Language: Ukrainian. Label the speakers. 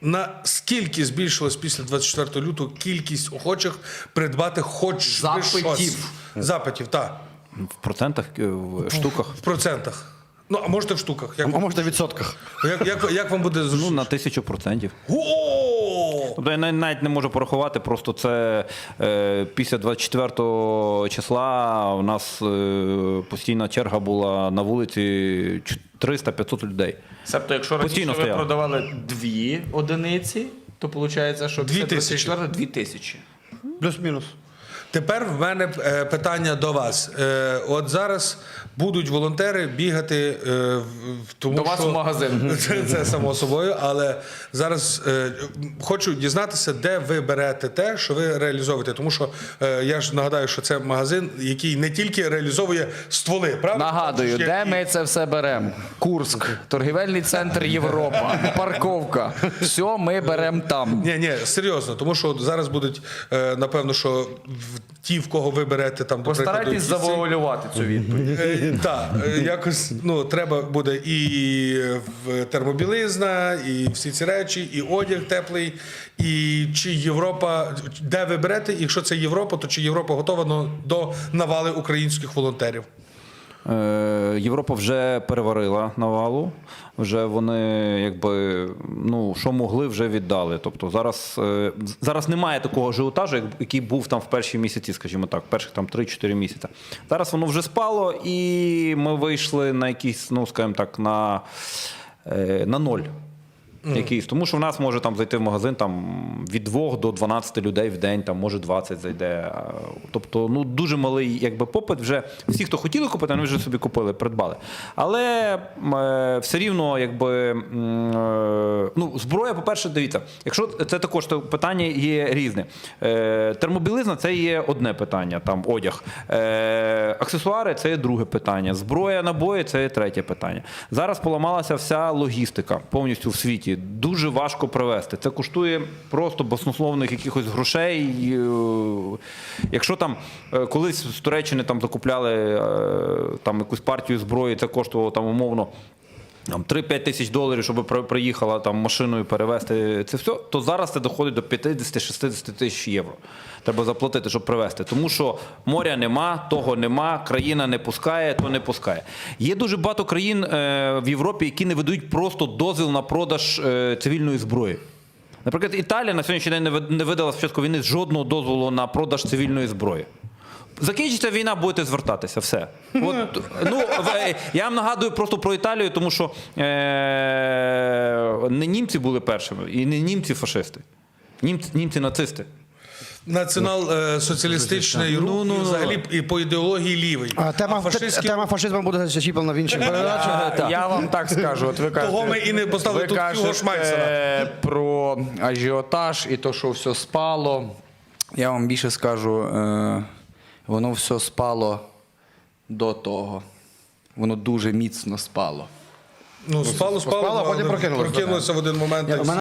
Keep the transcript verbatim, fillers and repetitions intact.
Speaker 1: Наскільки збільшилась після двадцять четвертого лютого кількість охочих придбати хоч би щось?
Speaker 2: Запитів.
Speaker 1: Запитів, так.
Speaker 3: В процентах, в штуках?
Speaker 1: В процентах. Ну, а можете в штуках. Як,
Speaker 2: А може в відсотках?
Speaker 1: як, як, як вам буде
Speaker 3: Ну,
Speaker 1: зручно?
Speaker 3: на тисячу процентів.
Speaker 1: О!
Speaker 3: Тобто я навіть не можу порахувати, просто це е, після двадцять четвертого числа у нас е, постійна черга була на вулиці триста-п'ятсот людей.
Speaker 4: Себто, якщо раніше
Speaker 3: Постійно
Speaker 4: ви
Speaker 3: стояли.
Speaker 4: продавали дві одиниці, то виходить, що
Speaker 1: Дві
Speaker 4: після
Speaker 1: тисячі.
Speaker 4: двадцять четвертого дві тисячі.
Speaker 2: Плюс-мінус.
Speaker 1: Тепер в мене е, питання до вас. Е, от зараз будуть волонтери бігати е, в- в- тому,
Speaker 4: До вас
Speaker 1: що...
Speaker 4: в магазин.
Speaker 1: Це, це само собою, але зараз е, хочу дізнатися, де ви берете те, що ви реалізовуєте. Тому що е, я ж нагадаю, що це магазин, який не тільки реалізовує стволи, правда?
Speaker 4: Нагадую,
Speaker 1: Ще
Speaker 4: де
Speaker 1: і-
Speaker 4: ми це все беремо? Курск, торгівельний центр Європа, парковка. Все ми беремо там.
Speaker 1: Ні, ні, серйозно, тому що зараз будуть, е, напевно, що в- ті, в кого ви берете там, до прикладу,
Speaker 4: Постарайтесь
Speaker 1: якісь ці-
Speaker 4: завуалювати цю відповідь.
Speaker 1: Е, Так, е, якось ну, треба буде і в термобілизна, і всі ці речі, і одяг теплий, і чи Європа, де ви берете, якщо це Європа, то чи Європа готова ну, до навали українських волонтерів?
Speaker 3: Е, Європа вже переварила навалу, вже вони якби, ну, що могли, вже віддали. Тобто зараз, е, зараз немає такого ажіотажу, як- який був там в перші місяці, скажімо так, перших там три-чотири місяці. Зараз воно вже спало, і ми вийшли на якийсь, ну, скажімо так, на, е, на ноль. Якийсь. Тому що в нас може там зайти в магазин там, від двох до дванадцяти людей в день, там, може двадцять зайде. А, Тобто ну, дуже малий якби, попит. Вже всі, хто хотіли купити, вони вже собі купили, придбали. Але е, все рівно, якби, м, е, ну, зброя, по-перше, дивіться, якщо це також то питання є різне. Е, термобілизна – це є одне питання, там, одяг. Е, аксесуари – це є друге питання. Зброя, набої – це є третє питання. Зараз поламалася вся логістика повністю в світі. Дуже важко привезти. Це коштує просто баснословних якихось грошей. І, е, Якщо там е, колись з Туреччини там закупляли е, там якусь партію зброї, це коштувало там умовно там три-п'ять тисяч доларів, щоб при- приїхала там машиною перевезти це все, то зараз це доходить до п'ятдесят-шістдесят тисяч євро. Треба заплатити, щоб привезти. Тому що моря нема, того нема, країна не пускає, то не пускає. Є дуже багато країн е, в Європі, які не видають просто дозвіл на продаж е, цивільної зброї. Наприклад, Італія на сьогоднішній день не ви- не видала спочатку війни жодного дозволу на продаж цивільної зброї. Закінчиться війна, будете звертатися, все. От, ну, в- я вам нагадую просто про Італію, тому що е- не німці були першими, і не німці-фашисти. Німці, німці-нацисти.
Speaker 1: Націонал-соціалістичний рух,
Speaker 3: Ну, ну,
Speaker 1: і
Speaker 3: ну.
Speaker 1: взагалі і по ідеології лівий.
Speaker 2: А тема,
Speaker 1: фашистські-
Speaker 2: тема фашизму буде зачіплена в інших передачах.
Speaker 4: Я, я вам так скажу, от ви кажете,
Speaker 1: Того ми і не поставили
Speaker 4: ви
Speaker 1: тут
Speaker 4: кажете,
Speaker 1: Юго Шмайсера.
Speaker 4: е, про ажіотаж і то, що все спало. Я вам більше скажу, е, воно все спало до того. Воно дуже міцно спало.
Speaker 1: Ну, спало, спало,
Speaker 2: спало, а потім
Speaker 1: але
Speaker 2: прокинулося.
Speaker 1: прокинулося в один момент.
Speaker 2: Ні,
Speaker 1: і
Speaker 2: у мене